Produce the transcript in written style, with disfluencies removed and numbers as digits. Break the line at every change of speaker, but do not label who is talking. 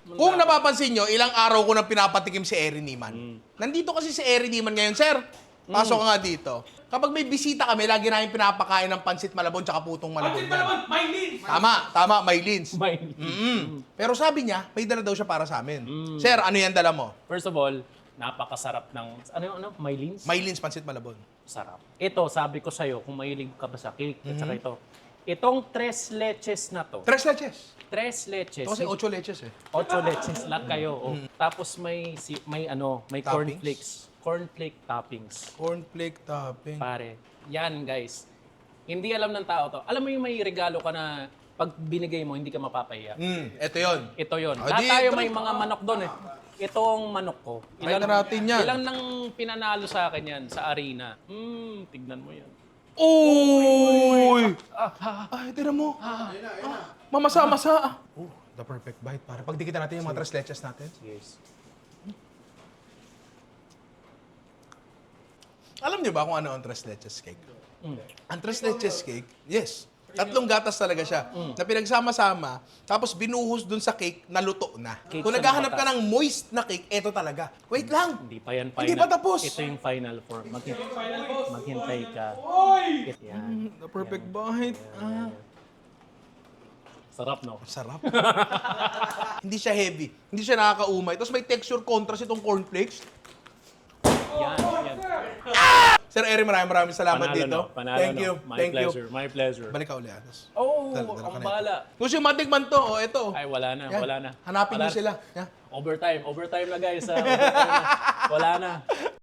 Kung napapansin nyo, ilang araw ko nang pinapatikim si Eri Niman. Nandito kasi si Eri Niman ngayon. Sir, pasok ka nga dito. Kapag may bisita kami, lagi namin pinapakain ng pansit malabon tsaka putong malabon.
Pansit malabon, Maylin!
Tama, Maylins.
Maylin.
Pero sabi niya, may dala daw siya para sa amin. Sir, ano yan dala mo?
First of all, napakasarap ng, Maylins?
Maylins pansit malabon.
Sarap. Ito, sabi ko sa'yo, kung mahilig ka ba sa cake, at saka ito. Itong tres leches na to.
Tres leches.
Tres leches.
Ito kasi 8 leches eh.
8 leches lahat kayo. Oh. Tapos may
Toppings?
cornflakes. Cornflake toppings.
Cornflake topping.
Pare. Yan, guys. Hindi alam ng tao to. Alam mo yung may regalo ka na pag binigay mo, hindi ka mapapahiya.
Ito yon.
Ito yon.
Ah,
Lahat
di,
tayo
try.
may mga manok doon eh. Itong manok ko.
Try na natin yan.
Ilang nang pinanalo sa akin yan sa arena. Tignan mo yan.
Uy! Ay, tira mo. Mamasa-masa. The perfect bite, para. Pagdikitan natin yung mga tres leches natin.
Yes.
Alam niyo ba kung ano ang tres leches cake? Ang tres leches cake, yes. Tatlong gatas talaga siya na pinagsama-sama, tapos binuhos dun sa cake na luto na.
Cake
Kung
sa
naghahanap ka
gatas.
ng moist na cake, eto talaga. Wait lang.
Hindi pa yan final.
Hindi pa tapos.
Ito yung final form. Maghintay ka. Yan.
The perfect bite.
Sarap, no?
Sarap. Hindi siya heavy. Hindi siya nakakaumay. Tapos may texture contrast itong cornflakes.
Yan, yan.
Sir Eri, maraming salamat
Panalo,
dito.
no? Panalo,
Thank
no?
you.
My
Thank
pleasure.
you.
My pleasure.
Balik ka uli. Atas.
Oh,
Dala ka
ang
na
bala.
Gusto yung matikman to, ito.
Ay, wala na,
Yan.
wala na.
Hanapin
Wala
niyo sila. Yan.
Overtime na guys. Overtime na. Wala na.